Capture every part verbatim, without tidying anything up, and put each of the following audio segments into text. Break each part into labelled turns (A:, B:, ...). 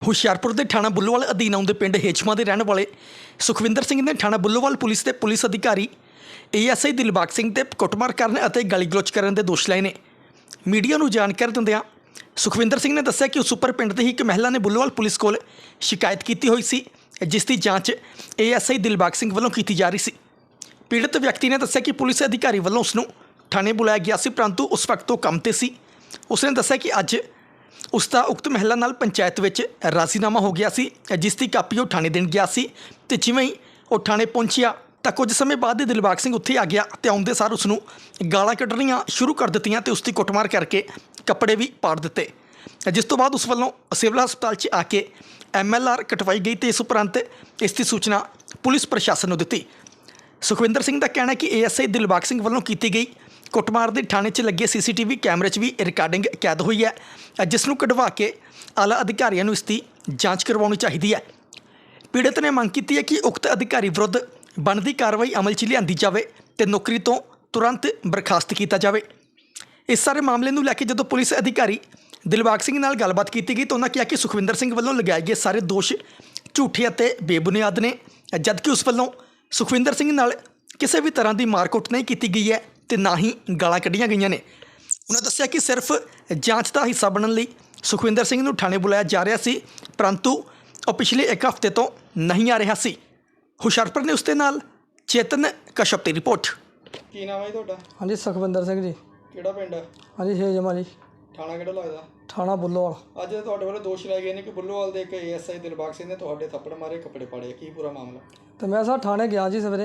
A: ਹੁਸ਼ਿਆਰਪੁਰ ਦੇ ਥਾਣਾ ਬੁੱਲੋਵਾਲ ਅਧੀਨ ਆਉਂਦੇ ਪਿੰਡ ਹੇਚਮਾ ਦੇ ਰਹਿਣ ਵਾਲੇ ਸੁਖਵਿੰਦਰ ਸਿੰਘ ਨੇ ਥਾਣਾ ਬੁੱਲੋਵਾਲ ਪੁਲਿਸ ਦੇ ਪੁਲਿਸ ਅਧਿਕਾਰੀ A S I Dilbag Singh ਤੇ ਕੁੱਟਮਾਰ ਕਰਨ ਅਤੇ ਗਾਲੀ ਗਲੋਚ ਕਰਨ ਦੇ ਦੋਸ਼ ਲਾਏ ਨੇ। ਮੀਡੀਆ ਨੂੰ ਜਾਣਕਾਰੀ ਦਿੰਦਿਆਂ ਸੁਖਵਿੰਦਰ ਸਿੰਘ ਨੇ ਦੱਸਿਆ ਕਿ ਉਸ ਉੱਪਰ ਪਿੰਡ ਦੀ ਇੱਕ ਮਹਿਲਾ ਨੇ ਬੁੱਲੋਵਾਲ ਪੁਲਿਸ ਕੋਲ ਸ਼ਿਕਾਇਤ ਕੀਤੀ ਹੋਈ ਸੀ, ਜਿਸ ਦੀ ਜਾਂਚ A S I Dilbag Singh ਵੱਲੋਂ ਕੀਤੀ ਜਾ ਰਹੀ ਸੀ। ਪੀੜਤ ਵਿਅਕਤੀ ਨੇ ਦੱਸਿਆ ਕਿ ਪੁਲਿਸ ਅਧਿਕਾਰੀ ਵੱਲੋਂ ਉਸ ਨੂੰ ਥਾਣੇ ਬੁਲਾਇਆ ਗਿਆ ਸੀ, ਪਰੰਤੂ ਉਸ ਵਕਤ ਉਹ ਕੰਮ ਤੇ ਸੀ। ਉਸ ਨੇ ਦੱਸਿਆ ਕਿ ਅੱਜ ਉਸ ਦਾ ਉਕਤ ਮਹਿਲਾ ਨਾਲ ਪੰਚਾਇਤ ਵਿੱਚ ਰਾਜ਼ੀਨਾਮਾ ਹੋ ਗਿਆ ਸੀ, ਜਿਸ ਦੀ ਕਾਪੀ ਉਹ ਥਾਣੇ ਦੇਣ ਗਿਆ ਸੀ ਤੇ ਜਿਵੇਂ ਹੀ ਉਹ ਥਾਣੇ ਪਹੁੰਚਿਆ ਤਾਂ ਕੁਝ ਸਮੇਂ ਬਾਅਦ ਹੀ ਦਿਲਬਾਗ ਸਿੰਘ ਉੱਥੇ ਆ ਗਿਆ ਤੇ ਆਉਂਦੇ ਸਾਰ ਉਸ ਨੂੰ ਗਾਲਾਂ ਕੱਢਣੀਆਂ ਸ਼ੁਰੂ ਕਰ ਦਿੱਤੀਆਂ ਤੇ ਉਸ ਦੀ ਕੁੱਟਮਾਰ ਕਰਕੇ ਕੱਪੜੇ ਵੀ ਪਾੜ ਦਿੱਤੇ, ਜਿਸ ਤੋਂ ਬਾਅਦ ਉਸ ਵੱਲੋਂ ਸਿਵਲ ਹਸਪਤਾਲ 'ਚ ਆ ਕੇ ਐਮ ਐਲ ਆਰ ਕਟਵਾਈ ਗਈ ਤੇ ਇਸ ਉਪਰੰਤ ਇਸ ਦੀ ਸੂਚਨਾ ਪੁਲਿਸ ਪ੍ਰਸ਼ਾਸਨ ਨੂੰ ਦਿੱਤੀ। ਸੁਖਵਿੰਦਰ ਸਿੰਘ ਦਾ ਕਹਿਣਾ ਹੈ ਕਿ A S I Dilbag Singh ਵੱਲੋਂ ਕੀਤੀ ਗਈ ਕੁੱਟਮਾਰ ਦੇ ਥਾਣੇ 'ਚ ਲੱਗੇ ਸੀ ਸੀ ਟੀ ਵੀ ਕੈਮਰੇ 'ਚ ਵੀ ਰਿਕਾਰਡਿੰਗ ਕੈਦ ਹੋਈ ਹੈ, ਜਿਸ ਨੂੰ ਕਢਵਾ ਕੇ ਆਲਾ ਅਧਿਕਾਰੀਆਂ ਨੂੰ ਇਸ ਦੀ ਜਾਂਚ ਕਰਵਾਉਣੀ ਚਾਹੀਦੀ ਹੈ। ਪੀੜਤ ਨੇ ਮੰਗ ਕੀਤੀ ਹੈ ਕਿ ਉਕਤ ਅਧਿਕਾਰੀ ਵਿਰੁੱਧ ਬਣਦੀ ਕਾਰਵਾਈ ਅਮਲ 'ਚ ਲਿਆਂਦੀ ਜਾਵੇ ਤੇ ਨੌਕਰੀ ਤੋਂ ਤੁਰੰਤ ਬਰਖਾਸਤ ਕੀਤਾ ਜਾਵੇ। ਇਸ ਸਾਰੇ ਮਾਮਲੇ ਨੂੰ ਲੈ ਕੇ ਜਦੋਂ ਪੁਲਿਸ ਅਧਿਕਾਰੀ ਦਿਲਬਾਗ ਸਿੰਘ ਨਾਲ ਗੱਲਬਾਤ ਕੀਤੀ ਗਈ ਤਾਂ ਉਹਨਾਂ ਕਿਹਾ ਕਿ ਸੁਖਵਿੰਦਰ ਸਿੰਘ ਵੱਲੋਂ ਲਗਾਏ ਗਏ ਸਾਰੇ ਦੋਸ਼ ਝੂਠੇ ਅਤੇ ਬੇਬੁਨਿਆਦ ਨੇ, ਜਦਕਿ ਉਸ ਵੱਲੋਂ ਸੁਖਵਿੰਦਰ ਸਿੰਘ ਨਾਲ ਕਿਸੇ ਵੀ ਤਰ੍ਹਾਂ ਦੀ ਮਾਰਕੁੱਟ ਨਹੀਂ ਕੀਤੀ ਗਈ ਹੈ ਤੇ ਨਾ ਹੀ ਗਾਲਾਂ ਕੱਢੀਆਂ ਗਈਆਂ ਨੇ। ਉਹਨਾਂ ਦੱਸਿਆ ਕਿ ਸਿਰਫ ਜਾਂਚ ਦਾ ਹਿੱਸਾ ਬਣਨ ਲਈ ਸੁਖਵਿੰਦਰ ਸਿੰਘ ਨੂੰ ਥਾਣੇ ਬੁਲਾਇਆ ਜਾ ਰਿਹਾ ਸੀ, ਪਰੰਤੂ ਉਹ ਪਿਛਲੇ ਇੱਕ ਹਫ਼ਤੇ ਤੋਂ ਨਹੀਂ ਆ ਰਿਹਾ ਸੀ। ਹੁਸ਼ਿਆਰਪੁਰ ਨੇ ਉਸ ਦੇ ਨਾਲ ਚੇਤਨ ਕਸ਼ਪ ਦੀ ਰਿਪੋਰਟ।
B: ਕੀ ਨਾਮ ਹੈ ਜੀ ਤੁਹਾਡਾ?
C: ਹਾਂਜੀ ਸੁਖਵਿੰਦਰ ਸਿੰਘ ਜੀ।
B: ਕਿਹੜਾ ਪਿੰਡ ਹੈ?
C: ਹਾਂਜੀ ਹੇਜਮਾ ਜੀ।
B: ਥਾਣਾ ਕਿਹੜਾ ਲੱਗਦਾ?
C: ਥਾਣਾ ਬੁੱਲੋਵਾਲ।
B: ਅੱਜ ਤੁਹਾਡੇ ਵੱਲੋਂ ਦੋਸ਼ ਲਾਏ ਗਏ ਨੇ ਕਿ ਬੁੱਲੋਵਾਲ ਦੇ ਇੱਕ A S I Dilbag Singh ਨੇ ਤੁਹਾਡੇ ਥੱਪੜ ਮਾਰੇ, ਕੱਪੜੇ ਪਾੜੇ, ਕੀ ਪੂਰਾ ਮਾਮਲਾ?
C: ਤੇ ਮੈਂ ਸਰ ਥਾਣੇ ਗਿਆ ਜੀ ਸਵੇਰੇ,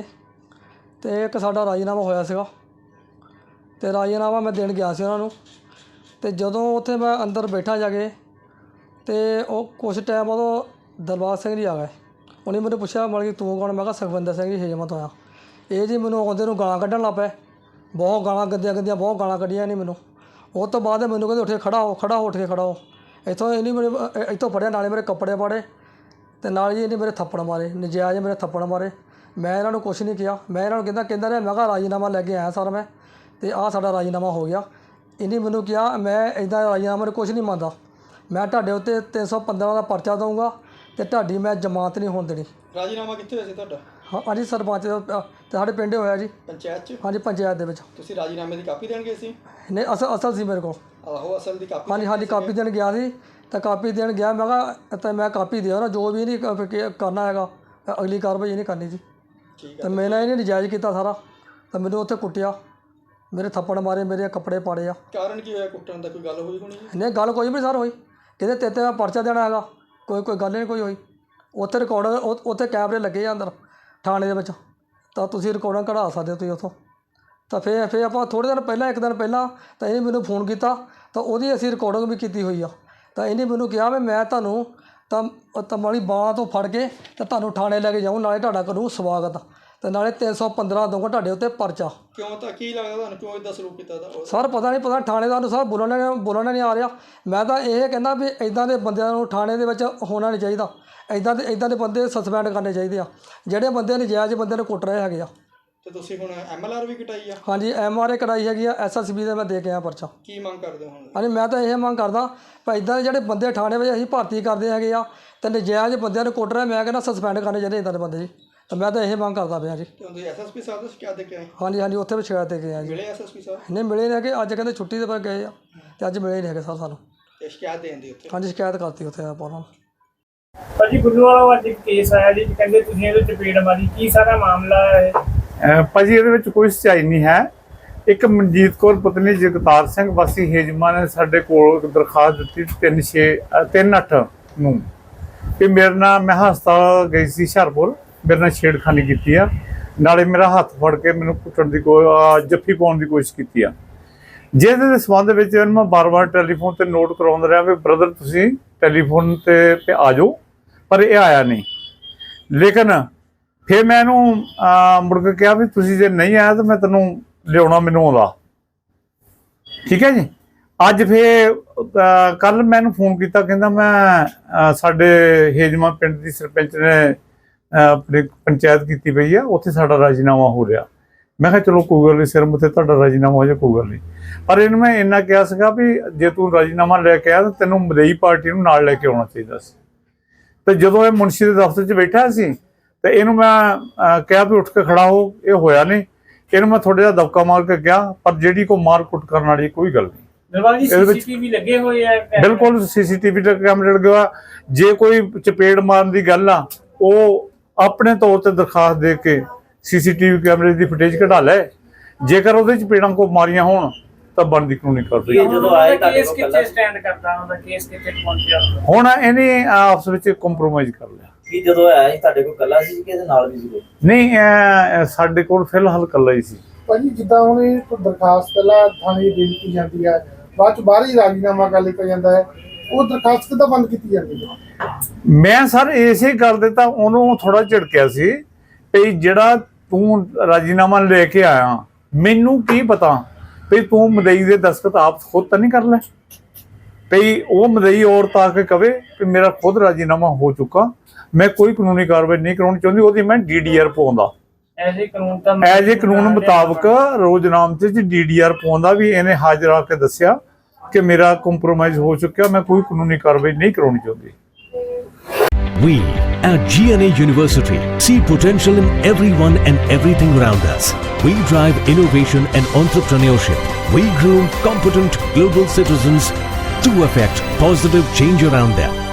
C: ਤੇ ਇੱਕ ਸਾਡਾ ਰਾਜੀਨਾਮਾ ਹੋਇਆ ਸੀਗਾ ਤੇ ਰਾਜੀਨਾਮਾ ਮੈਂ ਦੇਣ ਗਿਆ ਸੀ ਉਹਨਾਂ ਨੂੰ। ਤੇ ਜਦੋਂ ਉੱਥੇ ਮੈਂ ਅੰਦਰ ਬੈਠਾ ਜਾ ਕੇ ਤੇ ਉਹ ਕੁਛ ਟਾਈਮ ਉਦੋਂ ਦਿਲਬਾਗ ਸਿੰਘ ਜੀ ਆ ਗਏ। ਉਹਨੇ ਮੈਨੂੰ ਪੁੱਛਿਆ ਮਤਲਬ ਕਿ ਤੂੰ ਕੌਣ? ਮੈਂ ਕਿਹਾ ਸੁਖਵਿੰਦਰ ਸਿੰਘ ਜੀ ਹੇਜਮਾ ਤੋਂ ਆਇਆ। ਇਹ ਜੀ ਮੈਨੂੰ ਆਉਂਦੇ ਨੂੰ ਗਾਲਾਂ ਕੱਢਣ ਲੱਗ ਪਏ, ਬਹੁਤ ਗਾਲਾਂ ਗੰਦੀਆਂ ਗੰਦੀਆਂ ਬਹੁਤ ਗਾਲਾਂ ਕੱਢੀਆਂ ਨਹੀਂ ਮੈਨੂੰ। ਉਹ ਤੋਂ ਬਾਅਦ ਮੈਨੂੰ ਕਹਿੰਦੇ ਉੱਠ ਕੇ ਖੜਾ ਹੋ, ਖੜਾ ਹੋ, ਉੱਠ ਕੇ ਖੜਾ ਹੋ। ਇੱਥੋਂ ਇਹਨੇ ਮੇਰੇ ਇੱਥੋਂ ਫੜਿਆ, ਨਾਲੇ ਮੇਰੇ ਕੱਪੜੇ ਪਾੜੇ ਤੇ ਨਾਲ ਜੀ ਇਹਨੇ ਮੇਰੇ ਥੱਪੜ ਮਾਰੇ, ਨਜਾਇਜ਼ ਮੇਰੇ ਥੱਪੜ ਮਾਰੇ। ਮੈਂ ਇਹਨਾਂ ਨੂੰ ਕੁਛ ਨਹੀਂ ਕਿਹਾ, ਮੈਂ ਇਹਨਾਂ ਨੂੰ ਕਹਿੰਦਾ ਕਹਿੰਦਾ ਰਿਹਾ ਮੈਂ ਕਿਹਾ ਰਾਜੀਨਾਮਾ ਲੈ ਕੇ ਆਇਆ ਸਰ ਮੈਂ, ਤੇ ਆਹ ਸਾਡਾ ਰਾਜੀਨਾਮਾ ਹੋ ਗਿਆ। ਇਹਨੇ ਮੈਨੂੰ ਕਿਹਾ ਮੈਂ ਇੱਦਾਂ ਰਾਜੀਨਾਮਾ ਨੂੰ ਕੁਛ ਨਹੀਂ ਮੰਨਦਾ, ਮੈਂ ਤੁਹਾਡੇ ਉੱਤੇ ਤਿੰਨ ਸੌ ਪੰਦਰਾਂ ਦਾ ਪਰਚਾ ਦਊਂਗਾ ਤੇ ਤੁਹਾਡੀ ਮੈਂ ਜ਼ਮਾਨਤ ਨਹੀਂ ਹੋਣ ਦੇਣੀ।
B: ਰਾਜੀਨਾਮਾ ਕਿੱਥੇ ਹੋਇਆ ਸੀ ਤੁਹਾਡਾ?
C: ਹਾਂ ਹਾਂਜੀ ਸਰਪੰਚ ਦਾ ਤੇ ਸਾਡੇ ਪਿੰਡੇ ਹੋਇਆ ਜੀ।
B: ਪੰਚਾਇਤ 'ਚ?
C: ਹਾਂਜੀ ਪੰਚਾਇਤ ਦੇ ਵਿੱਚ।
B: ਤੁਸੀਂ ਰਾਜੀਨਾਮੇ ਦੀ ਕਾਪੀ ਦੇਣ ਗਏ ਸੀ?
C: ਨਹੀਂ ਅਸਲ ਅਸਲ ਸੀ ਮੇਰੇ ਕੋਲ।
B: ਆਹੋ ਅਸਲ ਦੀ ਕਾਪੀ? ਹਾਂਜੀ
C: ਹਾਂਜੀ ਕਾਪੀ ਦੇਣ ਗਿਆ ਸੀ ਤਾਂ ਕਾਪੀ ਦੇਣ ਗਿਆ, ਮੈਂ ਕਿਹਾ ਤਾਂ ਮੈਂ ਕਾਪੀ ਦਿਓ ਨਾ, ਜੋ ਵੀ ਨਹੀਂ ਕਰਨਾ ਹੈਗਾ ਅਗਲੀ ਕਾਰਵਾਈ ਨਹੀਂ ਕਰਨੀ ਜੀ।
B: ਠੀਕ ਹੈ।
C: ਤਾਂ ਮੈਨੇ ਇਹਨੇ ਨਜਾਇਜ਼ ਕੀਤਾ ਸਾਰਾ, ਤਾਂ ਮੈਨੂੰ ਉੱਥੇ ਕੁੱਟਿਆ, ਮੇਰੇ ਥੱਪੜ ਮਾਰੇ, ਮੇਰੇ ਕੱਪੜੇ ਪਾੜੇ ਆ।
B: ਕਾਰਨ ਕੀ ਹੋਇਆ ਕੁੱਟਣ ਦਾ? ਕੋਈ ਗੱਲ ਹੋਈ ਹੋਣੀ?
C: ਨਹੀਂ ਗੱਲ ਕੋਈ ਵੀ ਸਰ ਹੋਈ, ਕਹਿੰਦੇ ਤੇਰੇ ਤੇ ਪਰਚਾ ਦੇਣਾ ਹੈਗਾ, ਕੋਈ ਕੋਈ ਗੱਲ ਨਹੀਂ ਕੋਈ ਹੋਈ। ਉੱਥੇ ਰਿਕਾਰਡ ਉੱਥੇ ਕੈਮਰੇ ਲੱਗੇ ਆ ਅੰਦਰ ਥਾਣੇ ਦੇ ਵਿੱਚ, ਤਾਂ ਤੁਸੀਂ ਰਿਕਾਰਡਾਂ ਕਢਾ ਸਕਦੇ ਹੋ ਤੁਸੀਂ ਉੱਥੋਂ। ਤਾਂ ਫਿਰ ਫਿਰ ਆਪਾਂ ਥੋੜ੍ਹੇ ਦਿਨ ਪਹਿਲਾਂ ਇੱਕ ਦਿਨ ਪਹਿਲਾਂ ਤਾਂ ਇਹਨੇ ਮੈਨੂੰ ਫੋਨ ਕੀਤਾ, ਤਾਂ ਉਹਦੀ ਅਸੀਂ ਰਿਕਾਰਡਿੰਗ ਵੀ ਕੀਤੀ ਹੋਈ ਆ। ਤਾਂ ਇਹਨੇ ਮੈਨੂੰ ਕਿਹਾ ਵੀ ਮੈਂ ਤੁਹਾਨੂੰ ਤਾਂ ਤਮਾਲੀ ਬਾਂਹ ਤੋਂ ਫੜ ਕੇ ਤਾਂ ਤੁਹਾਨੂੰ ਥਾਣੇ ਲੈ ਕੇ ਜਾਊਂ, ਨਾਲੇ ਤੁਹਾਡਾ ਕਰੂੰ ਸਵਾਗਤ ਤੇ ਨਾਲੇ ਤਿੰਨ ਸੌ ਪੰਦਰਾਂ ਦਊਂਗਾ ਤੁਹਾਡੇ ਉੱਤੇ ਪਰਚਾ।
B: ਕਿਉਂ? ਤਾਂ ਕੀ ਲੱਗਦਾ ਤੁਹਾਨੂੰ ਕਿਉਂ ਇੱਦਾਂ ਸਲੂਕ ਕੀਤਾ?
C: ਸਰ ਪਤਾ ਨਹੀਂ, ਪਤਾ ਥਾਣੇਦਾਰ ਨੂੰ ਸਰ ਬੋਲਣਾ ਬੋਲਣਾ ਨਹੀਂ ਆ ਰਿਹਾ। ਮੈਂ ਤਾਂ ਇਹ ਕਹਿੰਦਾ ਵੀ ਇੱਦਾਂ ਦੇ ਬੰਦਿਆਂ ਨੂੰ ਥਾਣੇ ਦੇ ਵਿੱਚ ਹੋਣਾ ਨਹੀਂ ਚਾਹੀਦਾ, ਇੱਦਾਂ ਦੇ ਇੱਦਾਂ ਦੇ ਬੰਦੇ ਸਸਪੈਂਡ ਕਰਨੇ ਚਾਹੀਦੇ ਆ ਜਿਹੜੇ ਬੰਦੇ ਨਜਾਇਜ਼ ਬੰਦੇ ਨੂੰ ਕੁੱਟ ਰਹੇ ਹੈਗੇ ਆ।
B: ਤੇ ਤੁਸੀਂ ਹੁਣ ਐਮ ਐਲ ਆਰ ਵੀ ਕਟਾਈ ਆ? ਹਾਂਜੀ
C: ਐਮ ਆਰ ਏ ਕਢਾਈ ਹੈਗੀ ਆ, ਐਸ ਐਸ ਬੀ ਦੇ ਮੈਂ ਦੇ ਕੇ ਆਇਆ ਪਰਚਾ।
B: ਕੀ ਮੰਗ ਕਰਦੇ ਹੋ ਹੁਣ?
C: ਹਾਂਜੀ ਮੈਂ ਤਾਂ ਇਹ ਮੰਗ ਕਰਦਾ ਭਾਈ ਇੱਦਾਂ ਦੇ ਜਿਹੜੇ ਬੰਦੇ ਥਾਣੇ ਵਿੱਚ ਅਸੀਂ ਭਰਤੀ ਕਰਦੇ ਹੈਗੇ ਆ ਤੇ ਨਜਾਇਜ਼ ਬੰਦਿਆਂ ਨੂੰ ਕੁੱਟ ਰਹੇ, ਮੈਂ ਕਹਿੰਦਾ ਸਸਪੈਂਡ ਕਰਨੇ ਚਾਹੀਦੇ ਇੱਦਾਂ ਦੇ ਬੰਦੇ ਜੀ। ਤਾਂ ਮੈਂ ਤਾਂ ਇਹ ਮੰਗ ਕਰਦਾ ਪਿਆ ਜੀ।
B: ਤੁਸੀਂ ਐਸ ਐਸ ਪੀ ਸਾਹਿਬ ਤੋਂ ਸ਼ਿਕਾਇਤ ਦੇ ਕੇ ਆਏ?
C: ਹਾਂਜੀ ਹਾਂਜੀ ਉੱਥੇ ਵੀ ਸ਼ਿਕਾਇਤ ਦੇ ਕੇ ਆਏ ਜੀ।
B: ਮਿਲੇ ਐਸ ਐਸ ਪੀ ਸਾਹਿਬ? ਨਹੀਂ
C: ਮਿਲੇ ਨੇ ਕਿ ਅੱਜ ਕਹਿੰਦੇ ਛੁੱਟੀ ਦੇ ਪਰ ਗਏ ਆ ਤੇ ਅੱਜ ਮਿਲੇ ਨਹੀਂ ਹੈਗੇ ਸਰ ਸਾਨੂੰ।
B: ਤੇ ਸ਼ਿਕਾਇਤ ਦੇਣ ਦੀ ਉੱਥੇ? ਹਾਂਜੀ
C: ਸ਼ਿਕਾਇਤ ਕਰਤੀ ਉੱਥੇ ਆਪਾਂ ਉਹਨਾਂ ਨੂੰ।
D: ਭਾਜੀ ਬੁੱਲੋਵਾਲ ਅੱਜ ਇੱਕ ਕੇਸ ਆਇਆ ਜੀ, ਕਹਿੰਦੇ ਤੁਸੀਂ ਇਹਦੇ ਚਪੇੜ ਮਾਰੀ, ਕੀ ਸਾਰਾ ਮਾਮਲਾ ਹੈ?
E: ਭਾਜੀ ਇਹਦੇ ਵਿੱਚ ਕੋਈ ਸੱਚਾਈ ਨਹੀਂ ਹੈ। ਇੱਕ ਮਨਜੀਤ ਕੌਰ ਪਤਨੀ ਜਗਤਾਰ ਸਿੰਘ ਵਾਸੀ ਹੇਜਮਾ ਨੇ ਸਾਡੇ ਕੋਲ ਦਰਖਾਸਤ ਦਿੱਤੀ ਤਿੰਨ ਛੇ ਤਿੰਨ ਅੱਠ ਨੂੰ ਕਿ ਮੇਰੇ ਨਾਲ, ਮੈਂ ਹਸਪਤਾਲ ਗਈ ਸੀ ਹੁਸ਼ਿਆਰਪੁਰ, ਮੇਰੇ ਨਾਲ ਛੇੜਖਾਨੀ ਕੀਤੀ ਆ, ਨਾਲੇ ਮੇਰਾ ਹੱਥ ਫੜ ਕੇ ਮੈਨੂੰ ਕੁੱਟਣ ਦੀ ਕੋਈ ਜੱਫੀ ਪਾਉਣ ਦੀ ਕੋਸ਼ਿਸ਼ ਕੀਤੀ ਆ। ਜਿਹਦੇ ਦੇ ਸੰਬੰਧ ਵਿੱਚ ਇਹਨੂੰ ਮੈਂ ਬਾਰ ਬਾਰ ਟੈਲੀਫੋਨ ਤੇ ਨੋਟ ਕਰਾਉਂਦਾ ਰਿਹਾ ਵੀ ਬ੍ਰਦਰ ਤੁਸੀਂ ਟੈਲੀਫੋਨ ਤੇ ਤੇ ਆ ਜਾਓ, ਪਰ ਇਹ ਆਇਆ ਨਹੀਂ। ਲੇਕਿਨ ਫਿਰ ਮੈਂ ਇਹਨੂੰ ਮੁੜ ਕੇ ਕਿਹਾ ਵੀ ਤੁਸੀਂ ਜੇ ਨਹੀਂ ਆਇਆ ਤਾਂ ਮੈਂ ਤੈਨੂੰ ਲਿਆਉਣਾ ਮੈਨੂੰ ਆਉਂਦਾ, ਠੀਕ ਹੈ ਜੀ। ਅੱਜ ਫਿਰ ਕੱਲ ਮੈਂ ਇਹਨੂੰ ਫੋਨ ਕੀਤਾ, ਕਹਿੰਦਾ ਮੈਂ ਸਾਡੇ ਹੇਜਮਾ ਪਿੰਡ ਦੀ ਸਰਪੰਚ ਨੇ ਆਪਣੀ ਪੰਚਾਇਤ ਕੀਤੀ ਪਈ ਆ, ਉੱਥੇ ਸਾਡਾ ਰਾਜੀਨਾਮਾ ਹੋ ਰਿਹਾ। ਮੈਂ ਕਿਹਾ ਚਲੋ ਕੋਈ ਗੱਲ ਨਹੀਂ, ਸਿਰ ਮੁੱਤੇ ਤੁਹਾਡਾ ਰਾਜੀਨਾਮਾ ਹੋ ਜਾਏ ਕੋਈ ਗੱਲ ਨਹੀਂ। ਪਰ ਇਹਨੂੰ ਮੈਂ ਇੰਨਾ ਕਿਹਾ ਸੀਗਾ ਵੀ ਜੇ ਤੂੰ ਰਾਜੀਨਾਮਾ ਲੈ ਕੇ ਆਇਆ ਤਾਂ ਤੈਨੂੰ ਮਦਈ ਪਾਰਟੀ ਨੂੰ ਨਾਲ ਲੈ ਕੇ ਆਉਣਾ ਚਾਹੀਦਾ ਸੀ। ਤੇ ਜਦੋਂ ਇਹ ਮੁਨਸ਼ੀ ਦੇ ਦਫ਼ਤਰ 'ਚ ਬੈਠਾ ਸੀ ਤੇ ਇਹਨੂੰ ਮੈਂ ਅਹ, ਕਿਹਾ ਵੀ ਉੱਠ ਕੇ ਖੜਾ ਹੋ, ਇਹ ਹੋਇਆ ਨਹੀਂ। ਇਹਨੂੰ ਮੈਂ ਥੋੜਾ ਜਿਹਾ ਦਬਕਾ ਮਾਰ ਕੇ ਕਿਹਾ, ਪਰ ਜਿਹੜੀ ਕੋਈ ਮਾਰ ਕੁੱਟ ਕਰਨ ਵਾਲੀ ਕੋਈ ਗੱਲ ਨਹੀਂ।
D: ਦਿਲਬਾਗ ਜੀ
E: ਇਹਦੇ ਵਿੱਚ-
D: ਸੀਸੀਟੀਵੀ ਲੱਗੇ ਹੋਏ ਆ ਕੈਮਰੇ?
E: ਬਿਲਕੁਲ ਸੀਸੀਟੀਵੀ ਦਾ ਕੈਮਰਾ ਲੱਗਿਆ। ਜੇ ਕੋਈ ਚਪੇੜ ਮਾਰਨ ਦੀ ਗੱਲ ਆ, ਉਹ ਆਪਣੇ ਤੌਰ ਤੇ ਦਰਖਾਸਤ ਦੇ ਕੇ ਸੀਸੀਟੀਵੀ ਕੈਮਰੇ ਦੀ ਫੁਟੇਜ ਕਢਾ ਲੈ। ਜੇਕਰ ਉਹਦੇ ਚਪੇੜਾਂ ਕੋ ਮਾਰੀਆਂ ਹੋਣ ਤਾਂ ਬਣਦੀ ਕਾਨੂੰਨੀ ਕਾਰਵਾਈ।
F: ਇਹ ਜਦੋਂ ਆਏ ਤੁਹਾਡੇ
D: ਕੇਸ
F: ਕੋਲ
D: ਕਿੱਥੇ ਸਟੈਂਡ ਕਰਦਾ, ਉਹਦਾ ਕੇਸ ਕਿੱਥੇ ਪਹੁੰਚਿਆ?
E: ਹੁਣ ਇਹਨੇ ਆਪਸ ਵਿੱਚ ਕੰਪਰੋਮਾਈਜ਼ ਕਰ ਲਿਆ।
F: ਕੀ ਜਦੋਂ ਆਇਆ ਸੀ ਤੁਹਾਡੇ ਕੋਲ ਕੱਲਾ ਸੀ ਕਿ ਇਹਦੇ ਨਾਲ ਵੀ ਸੀ ਕੋਈ?
E: ਨਹੀਂ ਇਹ ਸਾਡੇ ਕੋਲ ਫਿਲਹਾਲ ਇਕੱਲਾ ਹੀ ਸੀ।
G: ਭਾਜੀ ਜਿੱਦਾਂ ਹੁਣ ਇਹ ਕੋਈ ਦਰਖਾਸਤ ਪਹਿਲਾਂ ਥਾਣੇ ਦੇ ਦਿੱਤੀ ਜਾਂਦੀ ਹੈ, ਬਾਅਦ ਚ ਬਾਹਰ ਹੀ ਰਾਜੀਨਾਮਾ ਕਰ ਲਿਆ ਜਾਂਦਾ ਹੈ, ਉਹ ਦਰਖਾਸਤ ਕਿੱਦਾਂ ਬੰਦ ਕੀਤੀ ਜਾਂਦੀ ਹੈ?
E: ਮੈਂ ਸਰ ਇਸੇ ਗੱਲ ਦੇ ਤਾਂ ਉਹਨੂੰ ਥੋੜਾ ਝਿੜਕਿਆ ਸੀ ਵੀ ਜਿਹੜਾ ਤੂੰ ਰਾਜੀਨਾਮਾ ਲੈ ਕੇ ਆਇਆ, ਮੈਨੂੰ ਕੀ ਪਤਾ ਵੀ ਤੂੰ ਮਦਈ ਦੇ ਦਸਤਖਤ ਆਪ ਖੁਦ ਤਾਂ ਨਹੀਂ ਕਰ ਲੈ, ਵੀ ਉਹ ਮਦਈ ਔਰਤ ਆ ਕੇ ਕਵੇ ਕਿ ਮੇਰਾ ਖੁਦ ਰਾਜੀਨਾਮਾ ਹੋ ਚੁੱਕਾ, ਮੈਂ ਕੋਈ ਕਾਨੂੰਨੀ ਕਾਰਵਾਈ ਨਹੀਂ ਕਰਾਉਣੀ ਚਾਹੁੰਦੀ, ਉਹਦੀ ਮੈਂ ਡੀ ਡੀ ਆਰ ਪਾਉਂਦਾ।
D: ਐਜ਼ ਏ ਕਾਨੂੰਨ ਤਾਂ
E: ਐਜ ਏ ਕਾਨੂੰਨ ਮੁਤਾਬਕ ਰੋਜ਼ਨਾਮੇ 'ਚ ਡੀ ਡੀ ਆਰ ਪਾਉਂਦਾ ਵੀ ਇਹਨੇ ਹਾਜ਼ਰ ਆ ਕੇ ਦੱਸਿਆ ਕਿ ਮੇਰਾ ਕੰਪਰੋਮਾਈਜ਼ ਹੋ ਚੁੱਕਿਆ, ਮੈਂ ਕੋਈ ਕਾਨੂੰਨੀ ਕਾਰਵਾਈ ਨਹੀਂ ਕਰਾਉਣੀ ਚਾਹੁੰਦੀ।
H: We at G N A University see potential in everyone and everything around us. We drive innovation and entrepreneurship. We groom competent global citizens to affect positive change around them.